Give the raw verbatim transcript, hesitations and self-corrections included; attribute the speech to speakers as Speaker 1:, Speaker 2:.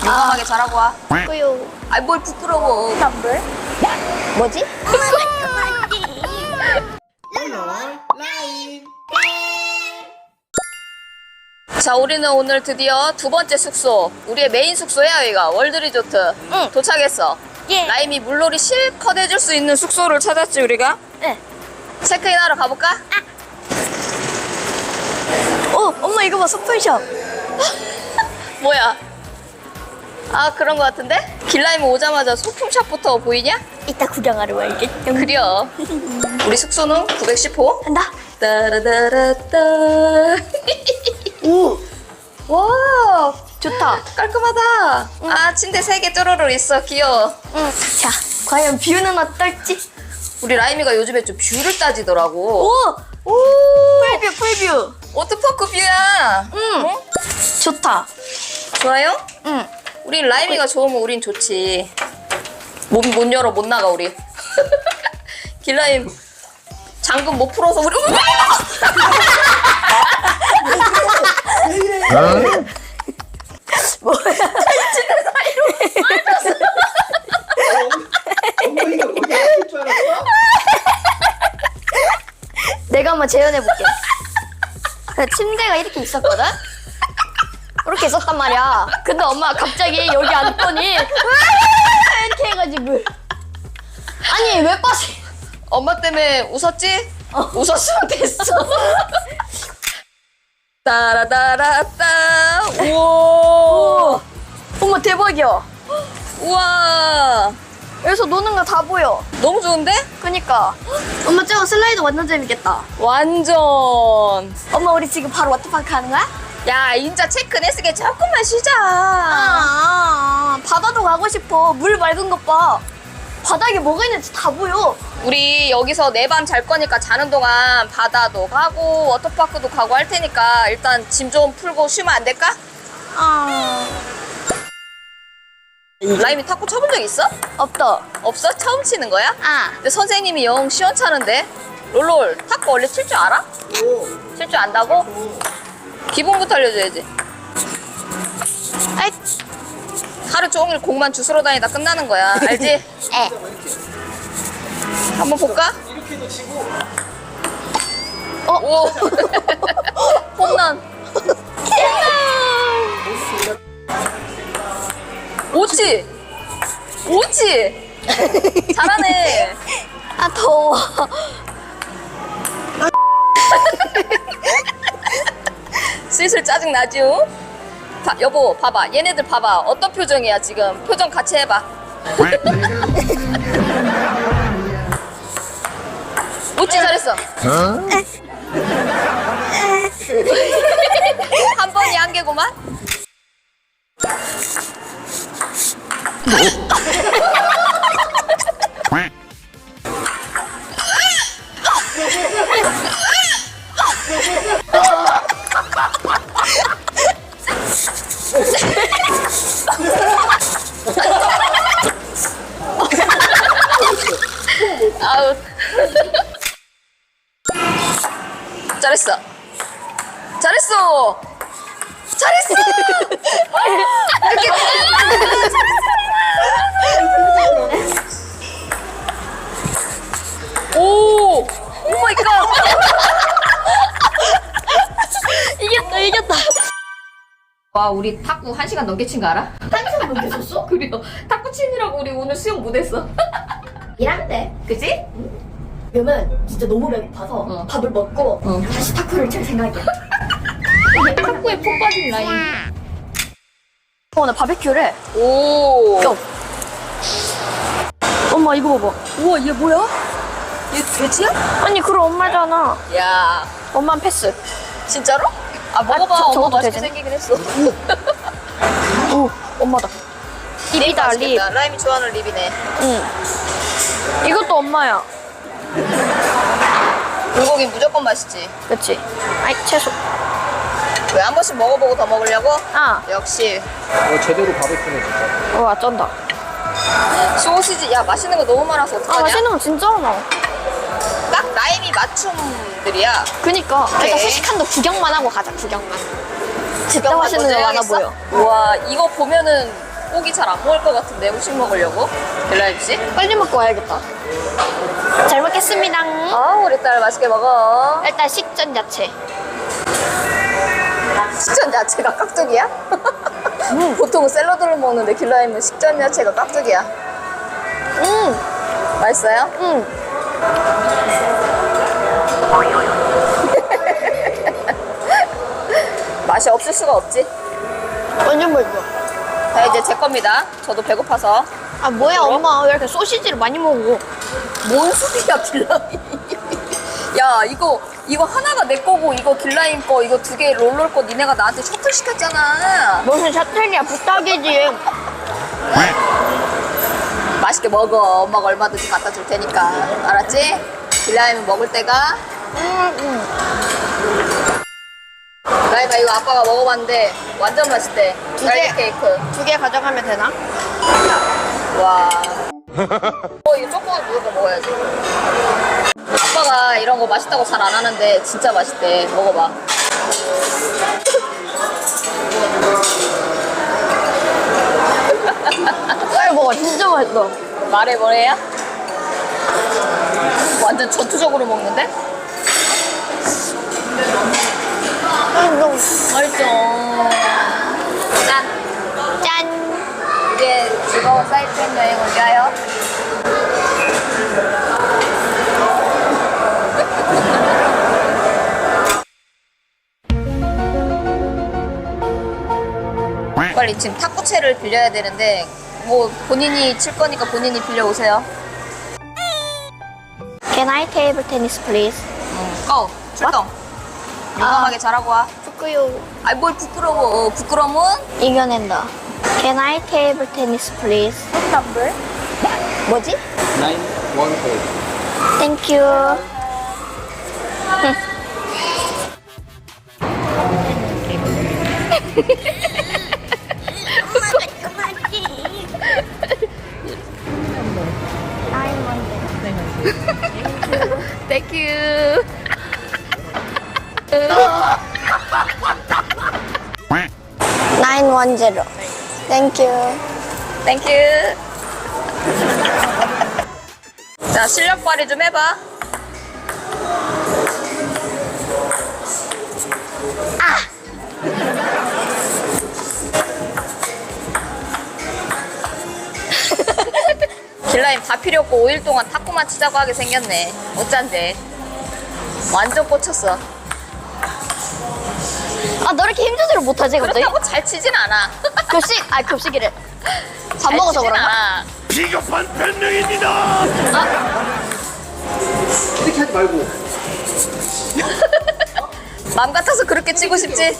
Speaker 1: 용감하게 잘하고 와.
Speaker 2: 꾸요.
Speaker 1: 아이 뭘 부끄러워.
Speaker 2: 덤블? 뭐지?
Speaker 1: 자, 우리는 오늘 드디어 두 번째 숙소, 우리의 메인 숙소야 여기가 월드리조트.
Speaker 2: 응.
Speaker 1: 도착했어.
Speaker 2: 예.
Speaker 1: 라임이 물놀이 실컷 해줄 수 있는 숙소를 찾았지 우리가.
Speaker 2: 네.
Speaker 1: 체크인하러 가볼까?
Speaker 2: 어, 엄마 이거 봐, 소품샵.
Speaker 1: 뭐야? 아 그런 거 같은데? 길라임 오자마자 소품샵부터 보이냐?
Speaker 2: 이따 구경하러 와야겠.
Speaker 1: 그려. 우리 숙소는 구백십 호.
Speaker 2: 간다.
Speaker 1: 따라다라따.
Speaker 2: 오,
Speaker 1: 와
Speaker 2: 좋다.
Speaker 1: 깔끔하다. 아 침대 세 개 쪼로로 있어. 귀여워.
Speaker 2: 응. 자, 과연 뷰는 어떨지?
Speaker 1: 우리 라임이가 요즘에 좀 뷰를 따지더라고.
Speaker 2: 오,
Speaker 1: 오.
Speaker 2: 풀뷰, 풀뷰.
Speaker 1: 워터파크 뷰야.
Speaker 2: 응. 좋다.
Speaker 1: 좋아요?
Speaker 2: 응.
Speaker 1: 우린 라임이가 좋으면 우린 좋지. 못, 못 열어 못 나가 우리. 길라임 잠금 못 풀어서 우리.
Speaker 2: 뭐야?
Speaker 3: 어머니가 거기 아플 줄 알았어?
Speaker 2: 내가 한번 재현해볼게. 침대가 이렇게 있었거든? 이렇게 있었단 말이야. 근데 엄마가 갑자기 여기 앉더니 이렇게 해가지고. 아니, 왜 빠지?
Speaker 1: 엄마 때문에 웃었지?
Speaker 2: 어.
Speaker 1: 웃었으면 됐어. 따라따라따. 우와.
Speaker 2: 엄마 대박이야.
Speaker 1: 우와.
Speaker 2: 여기서 노는 거 다 보여.
Speaker 1: 너무 좋은데?
Speaker 2: 그니까. 엄마 저거 슬라이드 완전 재밌겠다.
Speaker 1: 완전.
Speaker 2: 엄마 우리 지금 바로 워터파크 하는 거야?
Speaker 1: 야 인자 체크냈으게 조금만 쉬자.
Speaker 2: 아, 바다도 가고 싶어. 물 맑은 것 봐. 바닥에 뭐가 있는지 다 보여.
Speaker 1: 우리 여기서 내 밤 잘 거니까 자는 동안 바다도 가고 워터파크도 가고 할 테니까 일단 짐 좀 풀고 쉬면 안 될까?
Speaker 2: 아,
Speaker 1: 라임이 탁구 쳐본 적 있어?
Speaker 2: 없다.
Speaker 1: 없어? 처음 치는 거야?
Speaker 2: 아,
Speaker 1: 근데 선생님이 영 시원찮은데? 롤롤 탁구 원래 칠 줄 알아? 칠 줄 안다고? 기본부터 알려줘야지.
Speaker 2: 아이,
Speaker 1: 하루 종일 공만 주스러 다니다 끝나는 거야. 알지?
Speaker 2: 에.
Speaker 1: 한번 볼까?
Speaker 3: 이렇게도 치고
Speaker 1: 어? 오. 홈런. 오지? 오지? 잘하네.
Speaker 2: 아, 더워.
Speaker 1: 슬슬 짜증나죠? 봐, 여보 봐봐 얘네들 봐봐 어떤 표정이야 지금 표정 같이 해봐. 웃지 잘했어. 한 번이 한 개구만. 아우. 잘했어. 잘했어. 잘했어. 이렇게. 오. 오 마이 갓.
Speaker 2: 이겼다, 이겼다.
Speaker 1: 와 우리 탁구 한 시간 넘게 친 거 알아?
Speaker 2: 한 시간 넘게 썼어?
Speaker 1: 그래요. 탁구 치느라고 우리 오늘 수영 못했어.
Speaker 2: 일한대.
Speaker 1: 그치?
Speaker 2: 그러면 진짜 너무 배고파서
Speaker 1: 어.
Speaker 2: 밥을 먹고
Speaker 1: 어.
Speaker 2: 다시 탁구를 칠 생각이야.
Speaker 1: 탁구에 푹 빠진 라인.
Speaker 2: 어, 나 바베큐래.
Speaker 1: 오.
Speaker 2: 야. 엄마 이거 봐봐.
Speaker 1: 우와 얘 뭐야? 얘 돼지야?
Speaker 2: 아니 그럼 엄마잖아.
Speaker 1: 야
Speaker 2: 엄마는 패스.
Speaker 1: 진짜로? 아 먹어봐.
Speaker 2: 저-
Speaker 1: 엄마
Speaker 2: 저것도
Speaker 1: 맛있게
Speaker 2: 되지?
Speaker 1: 생기긴 했어.
Speaker 2: 오, 엄마다.
Speaker 1: 립
Speaker 2: 립이다, 립.
Speaker 1: 맛있겠다. 라임이 좋아하는 립이네.
Speaker 2: 응. 이것도 엄마야.
Speaker 1: 불고기 무조건 맛있지.
Speaker 2: 그치? 아이, 채소.
Speaker 1: 왜 한 번씩 먹어보고 더 먹으려고?
Speaker 2: 아,
Speaker 1: 역시
Speaker 3: 어, 제대로 바베큐네 진짜.
Speaker 2: 와, 쩐다.
Speaker 1: 소시지. 야 맛있는 거 너무 많아서
Speaker 2: 아,
Speaker 1: 어떡하냐?
Speaker 2: 맛있는 거 진짜 많아.
Speaker 1: 딱 라임이 맞춤들이야.
Speaker 2: 그니까.
Speaker 1: 오케이.
Speaker 2: 그러니까 수식한도 구경만 하고 가자, 구경만. 진짜 맛있는 거 많아 보여.
Speaker 1: 와 이거 보면은 고기 잘 안 먹을 것 같은데 후식 먹으려고 길라임 씨?
Speaker 2: 빨리 먹고 와야겠다. 잘 먹겠습니다.
Speaker 1: 아 우리 딸 맛있게 먹어.
Speaker 2: 일단 식전 야채.
Speaker 1: 식전 야채가 깍두기야? 보통 샐러드를 먹는데 길라임은 식전 야채가 깍두기야.
Speaker 2: 음,
Speaker 1: 맛있어요?
Speaker 2: 음.
Speaker 1: 맛이 없을 수가 없지.
Speaker 2: 완전 맛있어.
Speaker 1: 자 이제 제 겁니다. 저도 배고파서.
Speaker 2: 아 뭐야 엄마 왜 이렇게 소시지를 많이 먹어?
Speaker 1: 뭔 소리야 길라임. 야 이거 이거 하나가 내 거고 이거 길라임 거 이거 두 개 롤롤 거 니네가 나한테 셔틀 시켰잖아.
Speaker 2: 무슨 샤텔이야 부탁이지.
Speaker 1: 맛있게 먹어. 엄마가 얼마든지 갖다 줄 테니까. 알았지? 길라임은 먹을 때가.
Speaker 2: 음, 음.
Speaker 1: 라임아 이거 아빠가 먹어봤는데 완전 맛있대.
Speaker 2: 두
Speaker 1: 딸기
Speaker 2: 개.
Speaker 1: 케이크.
Speaker 2: 두 개 가져가면 되나?
Speaker 1: 와. 어 이거 조금은 무조건 먹어야지. 아빠가 이런 거 맛있다고 잘 안 하는데 진짜 맛있대. 먹어봐.
Speaker 2: 빨리 먹어 진짜 맛있어.
Speaker 1: 말해 뭐래요? 완전 전투적으로 먹는데?
Speaker 2: 음, 너무
Speaker 1: 맛있죠. 짠.
Speaker 2: 짠.
Speaker 1: 이제 즐거운 사이트행 여행 올까요? 빨리 지금 탁구채를 빌려야 되는데 뭐 본인이 칠 거니까 본인이 빌려 오세요.
Speaker 2: Can I table tennis please?
Speaker 1: 고! 출동! 용감하게 잘하고 와.
Speaker 2: 부끄요.
Speaker 1: 아이 뭘 부끄러워. 어, 부끄러움은?
Speaker 2: 이겨낸다. Can I table tennis please? number? 뭐지?
Speaker 3: nine one eight.
Speaker 2: Thank you.
Speaker 1: Thank you.
Speaker 2: nine one zero. Thank you.
Speaker 1: Thank you. 자, 실력 발휘 좀 해봐. 길라임 다 필요 없고 오 일 동안 탁구만 치자고 하게 생겼네. 어쩐데. 완전 꽂혔어.
Speaker 2: 아, 너 이렇게 힘조절을 못하지, 갑자기?
Speaker 1: 그렇다고 잘 치진 않아.
Speaker 2: 급식? 아, 급식이래. 밥
Speaker 1: 잘
Speaker 2: 먹어서
Speaker 1: 치진
Speaker 2: 그런가?
Speaker 1: 않아.
Speaker 4: 비겁한 변명입니다.
Speaker 3: 이렇게 하지 말고.
Speaker 1: 맘 같아서 그렇게 치고 싶지?